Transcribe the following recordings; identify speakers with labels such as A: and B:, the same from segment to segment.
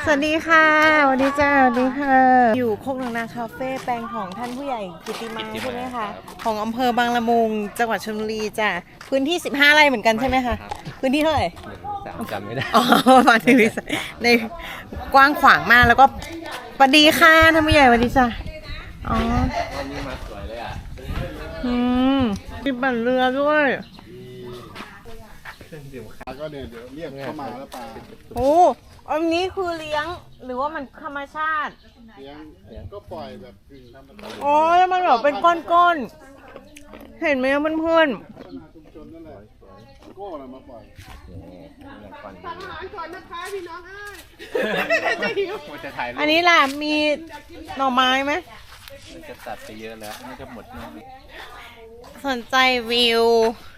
A: สวัสดีค่ะสวัสดีจ้าสวัสดีค่ะอยู่โคกหนองนาคาเฟ่แปลงของท่านผู้ใหญ่กิติมาใช่ไหมคะของอำเภอบางละมุงจังหวัดชลบุรีจ้ะพื้นที่15 ไร่เหมือนกันใช่ไหมคะพื้นที่เท่าไหร่
B: จำไม่ได้
A: อ๋อมาถึงในกว้างขวางมากแล้วก็สวัสดีค่ะท่านผู้ใหญ่สวัสดีจ้ะอ๋อ
B: วันนี้มาสวยเลยอ่ะ
A: มีปั่นเรือด้วย
C: ก็เนี่ยเดี๋ยวเรียกเข้ามาแล้วปลา
A: โอ้อันนี้คือเลี้ยงหรือว่ามันธรรมชาติ
C: เลี้ยงก็ปล่อยแบบกึ่งธรรมชาติ
A: อ๋อแล้วมันแบบเป็นก้อนๆเห็นไหมเพื่อน
C: ชุมชนนั่นแหละโก้เรามาปล่อย
B: สั่งอาหารก่อนนะคะพี่น้องมันจะถ่ายรูป
A: อันนี้ล่ะมีหน่อไม้ไหม
B: มันจะตัดไปเยอะแล้วมันจะหมดแล้ว
A: สนใจวิว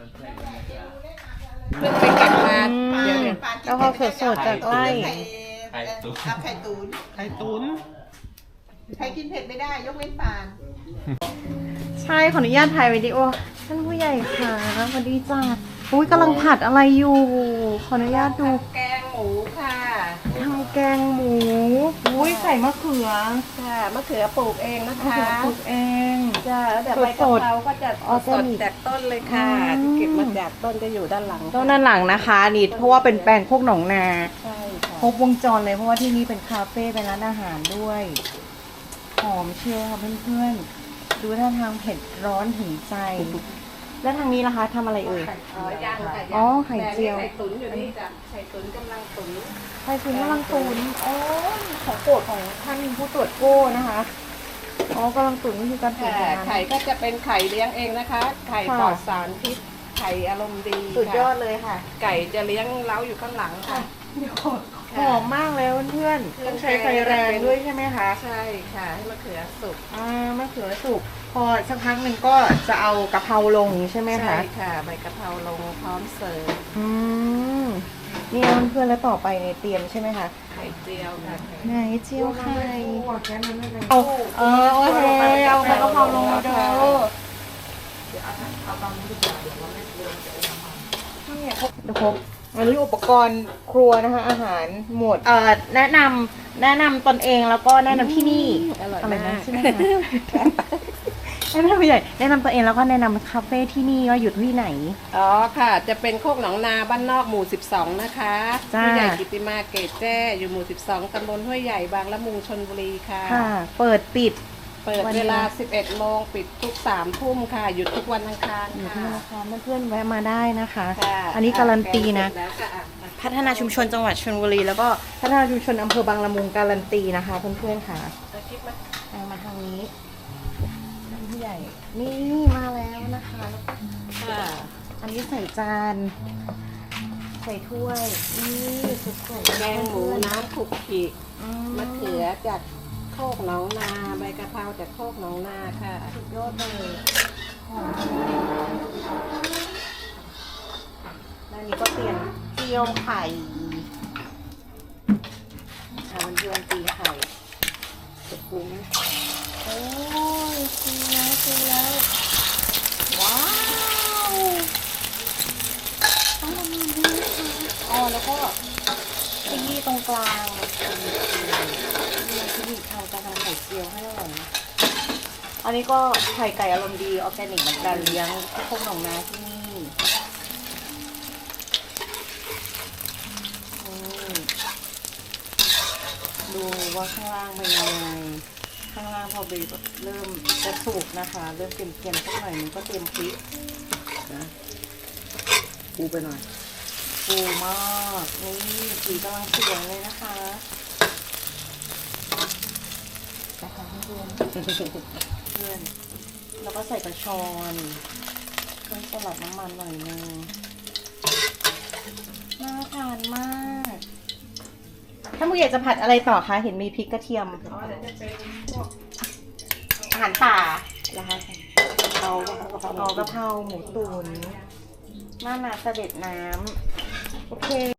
D: เพิ่งไปเก็บมาเดี๋ยว
A: แล้วพอสดๆจากไร่
B: ไข่ตุ๋น
D: ไข่ตุ๋น
A: ไข่ตุ๋น
D: ใครกินเผ็ดไม่ได้ยกเว้นปาน
A: ใช่ขออนุญาตถ่ายวิดีโอท่านผู้ใหญ่ค่ะสวัสดีจ้าอุ้ยกำลังผัดอะไรอยู่ ขออนุญาตดู
D: แกงหมูค่ะ
A: ทำแกงหมูอุ้ยใส่มะเขือ
D: ค่ะมะเขือปลูกเองนะ
A: มะ
D: คะ
A: เขือปลูกเอง
D: จ้าแล้วแต่ใบกะเพราก็จะ
A: ออร์แก
D: สด
A: นิก
D: จากต้นเลยค่ะ
A: อืม
D: เก็บมาจากต้นจะอยู่ด้านหลัง
A: ต้นด้านหลังนะคะนี่เพราะว่าเป็นแปลงโคกหนองนา
D: ใช่ค่ะ
A: ครบวงจรเลยเพราะว่าที่นี่เป็นคาเฟ่เป็นร้านอาหารด้วยหอมเชียวค่ะเพื่อนๆดูท่าทางเผ็ดร้อนถึงใจ แล้วทางนี้ล่ะคะทำอะไรเอ่ย
D: ย่างค่ะ
A: อ๋อไข่เจียว
D: ไข่ตุ๋นอยู่นี่จ้ะไข่ตุ๋นกำลังตุ๋น
A: ไข่ตุ๋นกำลังตุ๋นอ๋อของโปรดของท่านผู้ตรวจโก้นะคะอ๋อกำลังตุ๋นนี่คือการตุ๋น
D: ค่ะ
A: นาน
D: ไข่ก็จะเป็นไข่เลี้ยงเองนะคะ ไข่
A: ค่ะ
D: ปลอดสารพิษไข่อารมณ์ดี
A: สุดยอด
D: ค่ะ
A: เลยค่ะ
D: ไก่จะเลี้ยงเล้าอยู่ข้างหลังค่ะ
A: หอมมากเลยเพื่อนๆต้องใช้ไฟแรงด้วยใช่ไหมคะ
D: ใช่ค่ะให้มะเขือสุก
A: มะเขือสุกพอสักพักหนึ่งก็จะเอากะเพราลงใช่ไหมคะ
D: ใช่ค่ะใบกะเพราลงพร้อมเสิร์ฟ
A: อืมนี่เพื่อนๆแล้วต่อไปในเตรียมใช่ไหมคะ
D: ไข่เจียวค่ะ
A: ไหนเจียวไข่เอาโอเคเอากะเพราลงมาเด้อเดี๋ยวครบอันนี้อุปกรณ์ครัวนะคะอาหารหมดแนะนำตนเองแล้วก็แนะนำที่นี่
D: อร่อย
A: อะไร
D: มา
A: นะ
D: ก
A: ใช่ไหมคะให้ท่านผู้ใหญ่แนะนำตัวเองแล้วก็แนะนำคาเฟ่ที่นี่ว่าอยู่ที่ไหน
D: อ๋อค่ะ จะเป็นโคกหนองนาบ้านนอกหมู่ 12 นะคะ
A: จ้า
D: ผู้ใหญ่กิติมาเกตแจ้อยู่หมู่ 12 ตำบลห้วยใหญ่บางละมุงชลบุรีค่ะ
A: ค่ะ เปิดปิด
D: เปิดเวลา 11 โมงปิดทุก 3 ทุ่มค่ะ หยุดทุกวันอังคาร
A: อยู่
D: ค่ะ
A: ที่ธนาคารเพื่อนๆแวะมาได้นะคะ
D: ค่ะ
A: อันนี้การันตีนะ
D: แกงเสร็จแล้วค่ะ
A: พัฒนาชุมชนจังหวัดชลบุรีแล้วก็พัฒนาชุมชนอำเภอบางละมุงการันตีนะคะเพื่อนๆค่ะ
D: เอาคลิปมา
A: เอามาทางนี้ท่านผู้ใหญ่นี่มาแล้วนะคะ
D: ค่ะ
A: อันนี้ใส่จานใส่ถ้วยนี่สุดๆ
D: แกงหมูน้ำขลุกขลิก มะเขือจากโคกหนองนาใบกะเพราจากโคกหนองนาค่ะ
A: สุดยอดเลยหอมแล้วนี้ก็เตรียมเจียวไข่มันเจียวตีไข่จะปรุงโอ้ยตีแล้วว้าวต้องทำมันดีค่ะอ๋อแล้วก็ขยี้ตรงกลางนี่ที่บีบทำกระทำไข่เจียวให้อร่อยนะอันนี้ก็ไข่ไก่อารมณ์ดีออร์แกนิกเหมือนกันเลี้ยงที่โคกหนองนาที่นี่ดูว่าข้างล่างเป็นยังไงข้างล่างพอบีบเริ่มจะสุกนะคะ เริ่มเค็มๆสักหน่อยนึงก็เตรียมพริกนะปูไปหน่อยปูมากนี่สีกำลังสวยเลยนะคะนะคะเพื่อนแล้วก็ใส่กระชอนเครื่องสลัดน้ำมันหน่อยนึงน่าทานมากถ้าผู้ใหญ่จะผัดอะไรต่อคะเห็นมีพริกกระเทียม
D: อ๋อเดี๋ยวจะเป็นพวก
A: อาหารป่านะคะ
D: เอากะเพรา
A: กะเพราหมูตุ๋นหน้านาเสด็จน้ำโอเค